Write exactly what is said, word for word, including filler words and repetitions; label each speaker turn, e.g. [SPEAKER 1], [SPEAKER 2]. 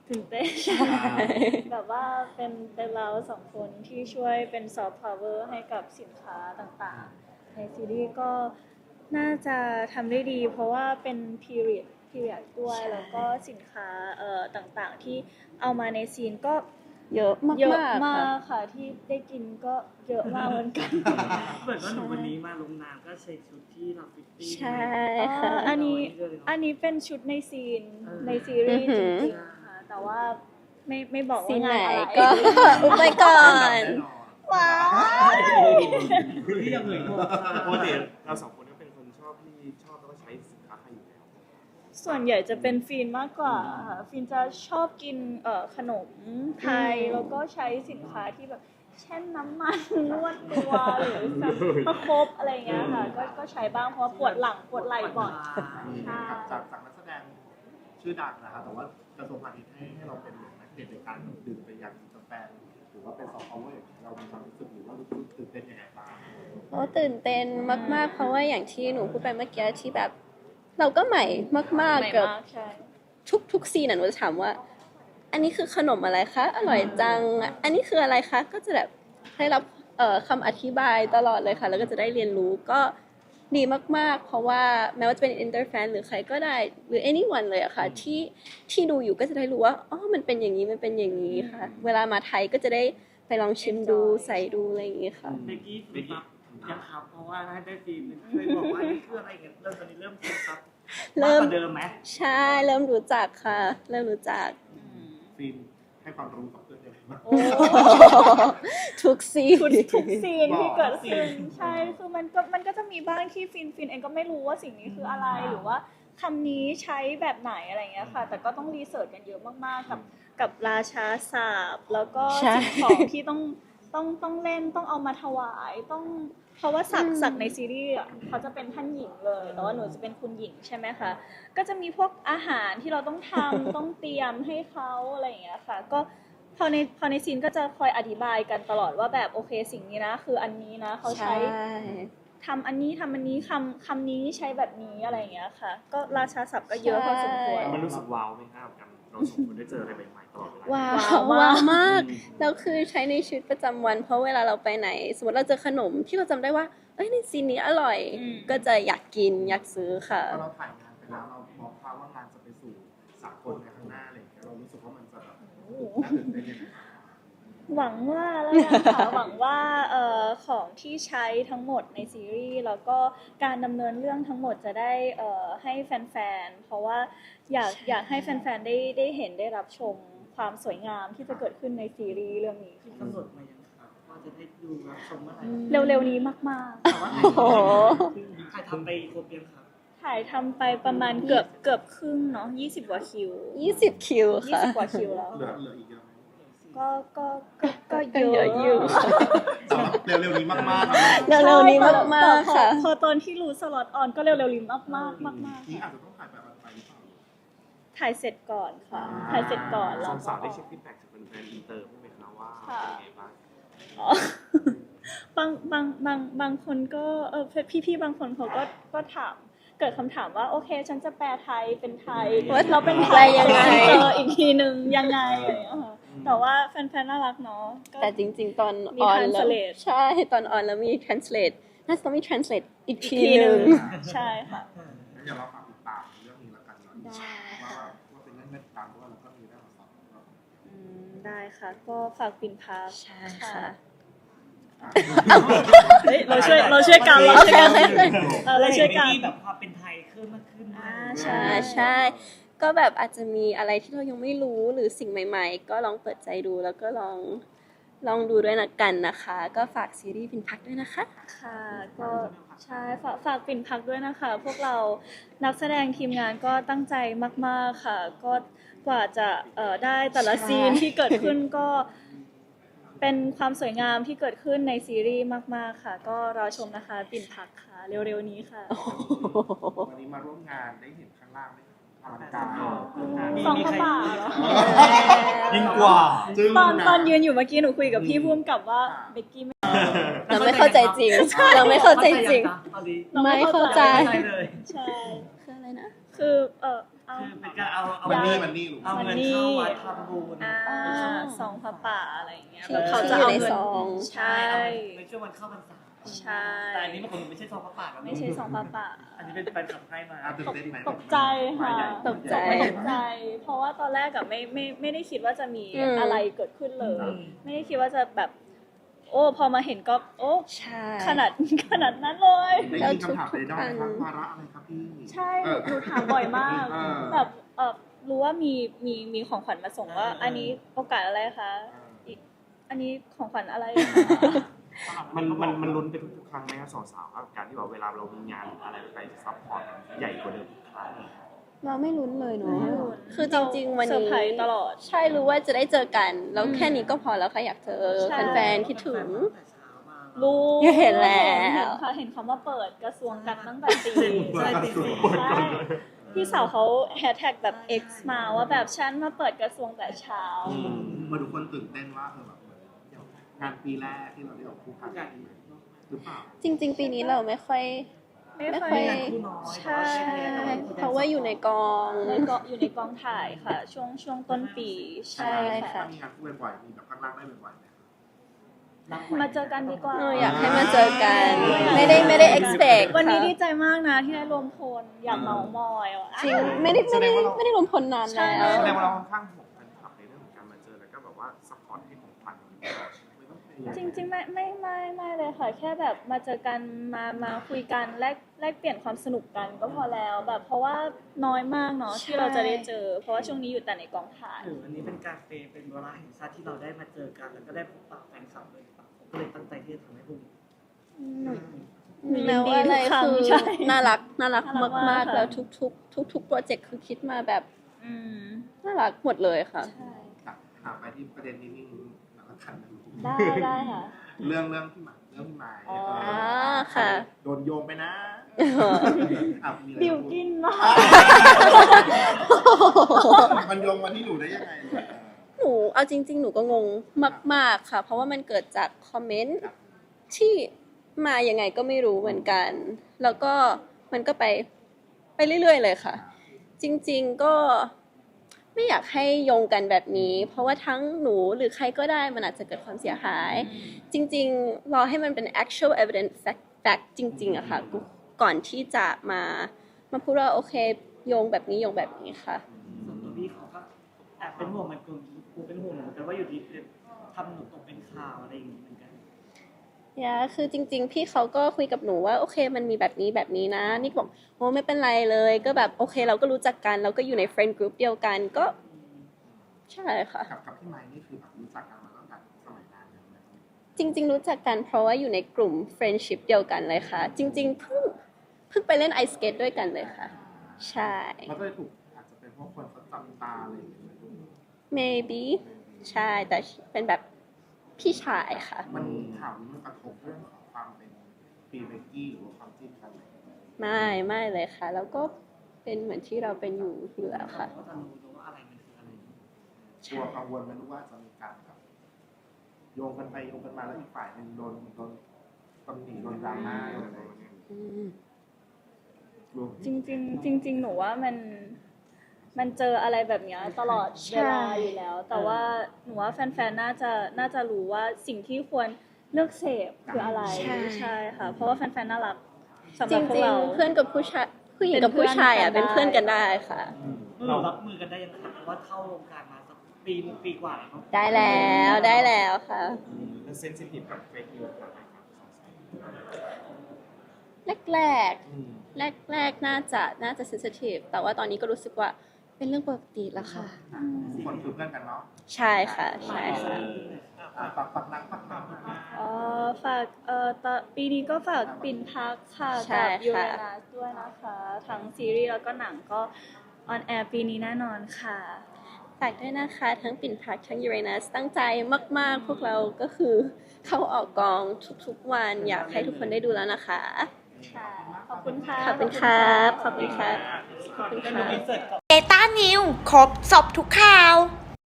[SPEAKER 1] ตื่นเต้นแบบว่าเป็นเป็นเราสองคนที่ช่วยเป็นซอฟต์พาวเวอร์ให้กับสินค้าต่างๆในซีรีส์ก็น่าจะทำได้ดีเพราะว่าเป็น period period ด้วยแล้วก็สินค้าเอ่อต่างๆที่เอามาในซีนก็
[SPEAKER 2] เยอะมาก
[SPEAKER 1] เยอะ
[SPEAKER 2] ๆ
[SPEAKER 1] มา
[SPEAKER 2] ค่ะ
[SPEAKER 1] กค่ะที่ได้กินก็เยอะมากเหมือนกัน
[SPEAKER 3] เหมือนว่าหนูวันนี้มาลงนามก็ใส่ชุดที่เราฟิตตี้
[SPEAKER 2] ใช่
[SPEAKER 1] อ๋อ
[SPEAKER 2] ค่ะ
[SPEAKER 1] อันนี้อันนี้เป็นชุดในซีนในซีรีส์จริงๆค่ะแต่ว่าไม่ไม่บอก
[SPEAKER 2] ซี
[SPEAKER 1] ว่าน
[SPEAKER 2] ไหน
[SPEAKER 1] งานอะไร
[SPEAKER 2] ก็ อุบไปก่อน
[SPEAKER 1] ว้าว
[SPEAKER 3] ที่ยังเหนื่อย
[SPEAKER 4] ปกติเราสองคนก็เป็นคนชอบที่ชอบแล้วก็ใช้สินค้าไทยอยู่แล้ว
[SPEAKER 1] ส่วนใหญ่จะเป็นฟินมากกว่าค่ะฟินจะชอบกินเอ่อขนมไทยแล้วก็ใช้สินค้าที่แบบเช่นน้ำมันนวดตัวหรือแบบประคบอะไรอย่างเงี้ยค่ะก็ก็ใช้บ้างเพราะว่าปวดหลังปวดไหล่บ่อยใช่
[SPEAKER 5] จากจากนักแสดงชื่อดังนะครับแต่ว่ากระทรวงพาณิชย์ให้ให้เราเป็นนักเด่นในการดื่มไปยังกาแฟหรือว่าเป็นซอฟต์พาวเวอร์อย่างนี้เรามีความรู้สึกหรือว่ารู้สึกตื่นเต้นยังไงบ้าง
[SPEAKER 2] โอ้ตื่นเต้นมากๆ เพราะว่าอย่างที่หนูพูดไปเมื่อกี้ที่แบบ เราก็ใหม่มาก
[SPEAKER 1] ใหม่
[SPEAKER 2] ๆ กับ
[SPEAKER 1] มากใช่
[SPEAKER 2] ทุกทุกซีนน่ะหนูจะถามว่า อันนี้คือขนมอะไรคะ อร่อยจัง อันนี้คืออะไรคะ ก็จะแบบได้รับเอ่อคำอธิบายตลอดเลยค่ะ แล้วก็จะได้เรียนรู้ก็ดีมากๆ เพราะว่าแม้ว่าจะเป็น inter fan หรือใครก็ได้ หรือ anyone เลยอะค่ะที่ที่ดูอยู่ก็จะได้รู้ว่า อ๋อ มันเป็นอย่างนี้ มันเป็นอย่างนี้ค่ะ เวลามาไทยก็จะได้ไปลองชิมดูใส่ดูอะไรอย่างนี้ค่ะ
[SPEAKER 3] เบกกี้ฝึกซับยังครับเพราะว่าถ้าได้ฟีนเคยบอกว่านี่คืออะไรกันเริ่มตอนนี้เริ่มฝึกซับ
[SPEAKER 2] เริ่
[SPEAKER 3] มาก
[SPEAKER 2] ม
[SPEAKER 3] กว่าเดิมไหม
[SPEAKER 2] ใช่เริ่มรู้จักค่ะ เริ่มรู้จัก
[SPEAKER 5] ฟิล์มให้ความรู้กับเพื่อนยังไงบ้าง
[SPEAKER 1] โอ้
[SPEAKER 2] ทุกซีน
[SPEAKER 1] ทุกซีนที่เกิดขึ้นใช่คือมันก็มันก็จะมีบ้างที่ฟินฟินเองก็ไม่รู้ว่าสิ่งนี้คืออะไรหรือว่าคำนี้ใช้แบบไหนอะไรเงี้ยค่ะ แต่ก็ต้องรีเสิร์ชกันเยอะมากๆกับกับราชาศัพท์แล้วก็
[SPEAKER 2] ใช่
[SPEAKER 1] สิ่งของที่ต้องต้องต้องเล่นต้องเอามาถวายต้องเพราะว่าศักดิ์ศักดิ์ในซีรีส์อ่ะเขาจะเป็นท่านหญิงเลยแต่ว่าหนูจะเป็นคุณหญิงใช่ไหมคะก็จะมีพวกอาหารที่เราต้องทำ ต้องเตรียมให้เขาอะไรอย่างเงี้ยค่ะก็ พอในพอในซีนก็จะคอยอธิบายกันตลอดว่าแบบโอเคสิ่งนี้นะคืออันนี้นะเขาใช้ทำอันนี้ทำอันนี้คำคำนี้ใช้แบบนี้อะไรอย่างเงี้ยค่ะ ก็ราชาศัพท์ก็เยอะพอสมควร
[SPEAKER 4] มันรู้สึกว้าวไหมครับกันเราสองคนได้เจออะไรใหม่ๆตลอดเวลา
[SPEAKER 2] ว้า
[SPEAKER 1] ว้าว ว
[SPEAKER 2] ว้าว
[SPEAKER 1] มาก
[SPEAKER 2] มากแล้วคือใช้ในชีวิตประจำวัน เพราะเวลาเราไปไหน สมมติเราเจอขนมที่เราจำได้ว่าเอ้ยในซีนนี้อร่อย
[SPEAKER 1] อืม
[SPEAKER 2] ก็จะอยากกินอยากซื้อค่ะ
[SPEAKER 5] พอเราถ่ายงานไปแล้วเรามองภาพว่างานจะไปสู่สากลในข้างหน้าอะไรอย่างเงี้ยเรารู้สึกว่ามันจะแบบน่าตื่นเต้นยังไงบ้าง
[SPEAKER 1] หวังว่าแล้วกันค่ะ หวังว่าเอ่อของที่ใช้ทั้งหมดในซีรีส์แล้วก็การดำเนินเรื่องทั้งหมดจะได้เอ่อให้แฟนๆเพราะว่าอยากอยากให้แฟนๆได้ได้เห็นได้รับชมความสวยงามที่จะเกิดขึ้นในซีรีส์เรื่องนี้
[SPEAKER 3] ที่กำหนดมายังครับว่าจะได้ดูรับชมเมื่อไหร่
[SPEAKER 1] เร็วๆนี้มากๆ
[SPEAKER 3] แต่ว่า
[SPEAKER 2] โอ้โห
[SPEAKER 3] ใครทำไปครบยังครับ
[SPEAKER 1] ถ่ายทำไปประมาณเกือบเกือบครึ่งเนาะยี่สิบกว่าคิว
[SPEAKER 2] ยี่สิบคิว
[SPEAKER 1] ยี่
[SPEAKER 2] ค่ะ
[SPEAKER 1] สิบกว่าคิวแล้ว
[SPEAKER 5] เหลือเหลืออีกเยอะไหม
[SPEAKER 1] ก็ก็ก็ก็
[SPEAKER 2] ก็
[SPEAKER 1] เย
[SPEAKER 2] เย
[SPEAKER 1] อะ
[SPEAKER 2] อะอยู่
[SPEAKER 5] เร็วๆนี้มากๆนะ
[SPEAKER 2] เร็วๆนี้มากๆ
[SPEAKER 1] ใช่
[SPEAKER 2] ค่ะ
[SPEAKER 1] พอพอตอนที่รู้สล็อตออนก็เร็วๆนี้มากมากมากมาก
[SPEAKER 5] นี่อาจจะต้องถ่ายแบบไปหรือเปล่า
[SPEAKER 1] ถ่ายเสร็จก่อนค่ะ ถ่ายเสร็จก่อน
[SPEAKER 4] ส
[SPEAKER 1] แล้
[SPEAKER 4] อ
[SPEAKER 1] ว
[SPEAKER 4] ง
[SPEAKER 1] ก็
[SPEAKER 4] สาวได้เช็คฟีดแบ็กจากแฟนๆอินเตอร์บ้างไหมคะว่าเป็นไงบ้าง
[SPEAKER 1] อ๋อ บางบางบางบางคนก็เออพี่พี่ๆบางคนเขาก็ก็ถามเกิดคำถามว่าโอเค ฉันจะแปลไทยเป็นไทย
[SPEAKER 2] ว่า
[SPEAKER 1] เราเป็นไท
[SPEAKER 2] แปล
[SPEAKER 1] ย
[SPEAKER 2] ยังไง
[SPEAKER 1] เจออีกทีนึงยังไงอะไรอย่างเงี้ยค่ะแต่ว่าแฟนๆน่ารักเนาะก็
[SPEAKER 2] แต่จริงๆ ตอน
[SPEAKER 1] มี
[SPEAKER 2] ออนแล้ว
[SPEAKER 1] translate
[SPEAKER 2] ใช่ ตอนออนแล้วมี translate น่าจะต้องมี translate อีก
[SPEAKER 1] อีก
[SPEAKER 2] ที
[SPEAKER 1] ที
[SPEAKER 2] ห
[SPEAKER 1] นึ
[SPEAKER 2] นึ่
[SPEAKER 1] ง
[SPEAKER 2] ง
[SPEAKER 1] ใช่ค่ะ
[SPEAKER 5] งั้นเดี๋ยวเราฝากติดตามเรื่องนี้แล้วกันเนาะ
[SPEAKER 1] ได้
[SPEAKER 5] ว่าว่าเป็นเรื่องน่าติดตามเพราะว่าเราก็มีเรื่องของสองเรา
[SPEAKER 1] อืมได้ค่ะ ก็ฝากปิ่นพา
[SPEAKER 2] ใช่ค่ะ
[SPEAKER 1] เฮ้ยเราช่วยเราช่วยกันเราช่วยกัน
[SPEAKER 2] โอเค
[SPEAKER 1] เออเราช่วยกัน
[SPEAKER 3] ที่แบบความเป็นไทยขึ้นมากขึ้น
[SPEAKER 1] อ่า
[SPEAKER 2] ใช่ใช่ ก็แบบอาจจะมีอะไรที่เรายังไม่รู้หรือสิ่งใหม่ๆ ก็ลองเปิดใจดูแล้วก็ลองลองดูด้วยนะกันนะคะ ก็ฝากซีรีส์พินพักด้วยนะคะ
[SPEAKER 1] ค่ะก็ใช่ฝากฝากปิ่นพักด้วยนะคะ พวกเรานักแสดงทีมงานก็ตั้งใจมากๆค่ะ ก็กว่าจะเอ่อได้แต่ละ
[SPEAKER 2] ใช่
[SPEAKER 1] ซีนที่เกิดขึ้นก็เป็นความสวยงามที่เกิดขึ้นในซีรีส์มากๆค่ะ ก็รอชมนะคะปิ่นพักค่ะ เร็วๆนี้ค่ะ
[SPEAKER 5] วันนี้มาร่วมงานได้เห็นข้างล่างไหมอลังการ
[SPEAKER 1] สองพระบาทเหรอ
[SPEAKER 4] ยิ่งกว่า
[SPEAKER 5] จึ้ง
[SPEAKER 1] ตอน
[SPEAKER 5] นะ
[SPEAKER 1] ตอนยืนอยู่เมื่อกี้หนูคุยกับพี่พุ่มกับว่าเบกกี้ไม่
[SPEAKER 2] เราไม่เข้าใจจริง เราไม่เข้าใจจริง
[SPEAKER 3] ตอนนี้
[SPEAKER 2] ไม่เข้าใจ
[SPEAKER 3] ไม่เลย
[SPEAKER 1] ใช่
[SPEAKER 2] คืออะไรนะ
[SPEAKER 1] คือเออเอา
[SPEAKER 3] คือเป็นการเอาเอา
[SPEAKER 5] มัน
[SPEAKER 3] เงิ
[SPEAKER 5] นี่
[SPEAKER 3] น
[SPEAKER 5] มันนี่ลูก
[SPEAKER 3] เอาเงินเข้าวัดทำบุญ
[SPEAKER 1] อ่าซองพระป่าอะไรอย่างเงี้ย
[SPEAKER 2] ที่
[SPEAKER 1] แบบ
[SPEAKER 2] เขา
[SPEAKER 1] เขา
[SPEAKER 2] จะ
[SPEAKER 1] จะ
[SPEAKER 2] เอา
[SPEAKER 1] เอา
[SPEAKER 2] ใน
[SPEAKER 1] เงิน
[SPEAKER 2] ซอง
[SPEAKER 1] ใช่
[SPEAKER 3] ในช่วงวันเข้าพรรษา
[SPEAKER 1] ใช่
[SPEAKER 3] แต่อันนี้มันคงไม่ใช่ซองพระป่าแล้ว
[SPEAKER 1] ไม่ใช่ซองพระป่า
[SPEAKER 3] อันนี้เป็นแฟนคลับให้มา
[SPEAKER 5] อ่ะตื่นเต้นไหม
[SPEAKER 1] ตกใจค่ะ
[SPEAKER 5] ใหญ่
[SPEAKER 2] ตกใจ
[SPEAKER 1] ตกใจ เพราะว่าตอนแรกอะไม่ไม่ไม่ได้คิดว่าจะมี
[SPEAKER 2] อืม
[SPEAKER 1] อะไรเกิดขึ้นเลย
[SPEAKER 3] อืม
[SPEAKER 1] ไม่ได้คิดว่าจะแบบ โอ้พอมาเห็นก็โอ้
[SPEAKER 2] ใช่
[SPEAKER 1] ขนาดขนาดนั้นเลย
[SPEAKER 5] ได้ยินคำถามในด้อมไหมครับวาระอะไรครับพี่
[SPEAKER 1] ใช่
[SPEAKER 5] เออ
[SPEAKER 1] หนูถามบ่อยมาก
[SPEAKER 5] เออ
[SPEAKER 1] แบบเออรู้ว่ามีมีมีของขวัญมาส่งว่า อันนี้โอกาสอะไรคะอีกอันนี้ของขวัญอะไรคะ
[SPEAKER 4] มันมันมันลุ้นไปทุกๆครั้งไหมครับสาวๆครับการที่แบบเวลาเรามีงานหรืออะไรไปจะซัพพอร์ตใหญ่กว่าเดิมทุกครั้ง
[SPEAKER 2] เราไม่ลุ้นเลยเนาะ
[SPEAKER 1] ไม่ลุ้น
[SPEAKER 2] คือจริงๆวัน
[SPEAKER 1] เซอร์
[SPEAKER 2] นี้
[SPEAKER 1] ไพรส์ตลอด
[SPEAKER 2] ใช่รู้ว่าจะได้เจอกัน แล้วแค่นี้ก็พอแล้วค่ะอยากเจอ
[SPEAKER 1] ใช่
[SPEAKER 2] แฟนๆคิดถึง
[SPEAKER 1] รู้
[SPEAKER 2] เห็นแล้ว
[SPEAKER 1] เห็นค่ะเห็นคำว่าเปิดกระทรวงกันตั้งแต่ปี
[SPEAKER 3] ใช่ปีสี่
[SPEAKER 1] ใช่พี่สาวเขาแฮชแท็กแบบ X มาว่าแบบฉันมาเปิดกระทรวงแต่เช้า
[SPEAKER 5] มาดูคนตื่นเต้นว่าเออแบบเหมือนงานปีแรกที่เราได้ออกคู่กันหรือเปล่า
[SPEAKER 2] จริง ๆ ปีนี้เราไม่ค่อย
[SPEAKER 1] ไม่
[SPEAKER 2] ไม่
[SPEAKER 1] ค่
[SPEAKER 2] ค่
[SPEAKER 1] อ
[SPEAKER 2] อย ย
[SPEAKER 1] ใช่
[SPEAKER 2] เพราะว่าอยู่ในกอง
[SPEAKER 1] ในกองอยู่ในกองถ่ายค่ะ ช่วงช่วงต้นปีใช่
[SPEAKER 2] ค่ะ
[SPEAKER 1] ค่ะ
[SPEAKER 5] มีงานคู่บ่อยๆมีแบบข้างล่างได้บ่อยๆไหม
[SPEAKER 1] มาเจอกันดีกว่า
[SPEAKER 2] เอออยากให้มาเจอกัน ไม่ได้ไม่ได้ expect
[SPEAKER 1] วันนี้
[SPEAKER 2] ค่ะ
[SPEAKER 1] ดีใจมากนะที่ได้รวมพลอยากเมามอยอ่ะ
[SPEAKER 2] จริงไม่ได้ไม่ได้ไม่ได้รวมพลนาน
[SPEAKER 1] ใช่
[SPEAKER 2] แล้ว
[SPEAKER 4] แสดงว่าเราค่อนข้างห่วงแฟนคลับในเรื่องของการมาเจอแล้วก็แบบว่าซัพพอร์ตให้ของขวัญไม่ต้องพยายาม
[SPEAKER 1] จริงๆไม่ไม่ไม่ไม่เลยค่ะ แค่แบบมาเจอกันมามาคุยกันแลกแลกเปลี่ยนความสนุกกันก็พอแล้วแบบเพราะว่าน้อยมากเนาะที่เราจะได้เจอ เพราะว่าช่วงนี้อยู่แต่ในกองถ่าย
[SPEAKER 3] หรืออันนี้เป็นการเฟย์เป็นเวลาแห่งชาติที่เราได้มาเจอกันแล้วก็ได้พบปะแฟนคลับเลยครับผมก็เลยตั้งใจที่จะทำให้พวกนี้
[SPEAKER 2] แล้วอะไรคือ
[SPEAKER 1] ใช่
[SPEAKER 2] น่ารักน่ารัก
[SPEAKER 1] น่ารักมาม
[SPEAKER 2] าก ก
[SPEAKER 1] ค่ะ
[SPEAKER 2] ๆแล้วทุกๆ ทุกๆโปรเจกต์คือคิดมาแบบ
[SPEAKER 1] อืม
[SPEAKER 2] น่ารักหมดเลยค่ะ
[SPEAKER 1] ใช่
[SPEAKER 5] ถามไปที่ประเด็นนี้นิดนึงแล้วก็ขัน
[SPEAKER 1] ได้ได้ค่ะ
[SPEAKER 5] เรื่องเรื่องพี่หมายเรื่องพี่หมาย
[SPEAKER 1] อ๋อ
[SPEAKER 5] เออ
[SPEAKER 2] ค่ะ
[SPEAKER 5] โดนโยงไปนะอ่ะมีอะไร
[SPEAKER 1] บิว
[SPEAKER 5] จะพูด
[SPEAKER 1] กินมาก
[SPEAKER 5] มันโยงมาที่หนูได้ยังไงเออ
[SPEAKER 2] หนูเอาจริง ๆ หนูก็งงมาก ๆ ค่ะ เพราะว่ามันเกิดจากคอมเมนต์ที่มายังไงก็ไม่รู้เหมือนกัน แล้วก็มันก็ไปไปเรื่อย ๆ เลยค่ะ จริง ๆ ก็ไม่อยากให้โยงกันแบบนี้ เพราะว่าทั้งหนูหรือใครก็ได้มันอาจจะเกิดความเสียหาย จริง ๆ รอให้มันเป็น actual evidence fact fact จริง ๆอะค่ะ ก่อนที่จะมามาพูดว่าโอเคโยงแบบนี้โยงแบบนี้ค่ะ
[SPEAKER 3] ส่วนตัวพี่เขาก็แอบเป็นห่วงมันกูกูเป็นห่วงเหมือนกันว่าอยู่ดีทำหนูตกเป็นข่าวอะไรอย่างนี้เหมือนกัน
[SPEAKER 2] ยาคือจริง ๆ พี่เขาก็คุยกับหนูว่าโอเคมันมีแบบนี้แบบนี้นะนิกบอกโอ้ไม่เป็นไรเลยก็แบบโอเคเราก็รู้จักกันเราก็อยู่ใน friend group เดียวกันก็ใช่ค่ะ
[SPEAKER 5] กับกับพี่ไม้นี่คือแบบรู้จักกันมาตั้งแต่สมัยนานแล้วไหม
[SPEAKER 2] จริง ๆ รู้จักกันเพราะว่าอยู่ในกลุ่ม friendship เดียวกันเลยค่ะ จริง ๆ เพิ่งเพิ่งไปเล่นไอสเกตด้วยกันเลยค่ะ ใช่
[SPEAKER 5] มันก็เลยถูกอาจจะเป็นเพราะคนเขาจับตาอะไรอย่างเงี้ย
[SPEAKER 2] maybe ใช่แต่เป็นแบบพี่ชายค่ะ
[SPEAKER 5] มันข่าวนี้มันกระทบเรื่องของความเป็นปีเบกกี้หรือว่าความจิ้นกันไหม
[SPEAKER 2] ไม่ไม่เลยค่ะ แล้วก็เป็นเหมือนที่เราเป็นอยู่อยู่แล้วค่ะ
[SPEAKER 3] ก็จะรู้ว่าอะไรมันคืออะไร
[SPEAKER 5] กลัวกังวลไหมรู้ว่าจะมีการแบบโยงกันไปโยงกันมาแล้วอีกฝ่ายหนึ่งโดนโดนตำหนิโดนดราม่าโดนอะไรอย่างเงี้ย
[SPEAKER 2] อืม
[SPEAKER 5] กลัว
[SPEAKER 1] จริงๆจริง ๆ หนูว่ามันมันเจออะไรแบบเนี้ยตลอดเวลาอยู่แล้ว แต่ว่าหนูว่าแฟนๆน่าจะน่าจะรู้ว่าสิ่งที่ควรเลือกเสพคืออะไรใช่ค่ะ เพราะว่าแฟนๆน่ารักสำห
[SPEAKER 2] จ
[SPEAKER 1] รับ
[SPEAKER 2] ริง
[SPEAKER 1] พวกเรา
[SPEAKER 2] ๆเพื่อนกับผู้ชายผู้หญิงกับผู้ชายอ่ะ
[SPEAKER 1] เป็
[SPEAKER 2] เป็น
[SPEAKER 1] นเพื่
[SPEAKER 2] เพื่อ
[SPEAKER 1] อน นกั
[SPEAKER 2] กัน
[SPEAKER 1] นได้
[SPEAKER 2] ได้ค่ะ
[SPEAKER 3] เรารับมือกันได้ยังไงเพราะว่าเข้าวงการมาสักปีปีกว่าแล้ว
[SPEAKER 2] ได้แล้วได้แล้วค่ะ
[SPEAKER 4] แล้วเซนซิทีฟกับเฟกนิวส์อะไรครับ
[SPEAKER 2] แรก
[SPEAKER 4] อืม
[SPEAKER 2] ๆแรกแรกๆน่าจะน่าจะ sensitive แต่ว่าตอนนี้ก็รู้สึกว่าเป็นเรื่องปกติแล้วค่ะ
[SPEAKER 5] ทุกคนคือเพื่อนกันเนาะ
[SPEAKER 2] ใช่ค่ะใช่ค่ะ
[SPEAKER 5] อ่ะฝากฝากนังฝากนัง
[SPEAKER 1] อ๋อฝากเอ่อตอนปีนี้ก็ฝากปิ่นพักค่ะ
[SPEAKER 2] ใช่
[SPEAKER 1] กับยูเร
[SPEAKER 2] ค่ะ
[SPEAKER 1] นัสด้วยนะคะ ทั้งซีรีส์แล้วก็หนังก็ออนแอร์ปีนี้แน่นอนค่ะ
[SPEAKER 2] ฝากด้วยนะคะทั้งปิ่นพักทั้งยูเรนัสตั้งใจมากๆ พวกเราก็คือเข้าออกกองทุกๆวัน อยากให้ทุกคนได้ดูแล้วนะคะ
[SPEAKER 1] ค่ะ ขอบคุณค่ะ
[SPEAKER 2] ขอบคุณครับขอบคุณครับขอบคุณครับ
[SPEAKER 3] อินเสิร์ต
[SPEAKER 6] เดต้านิวครบสอบทุกข่าว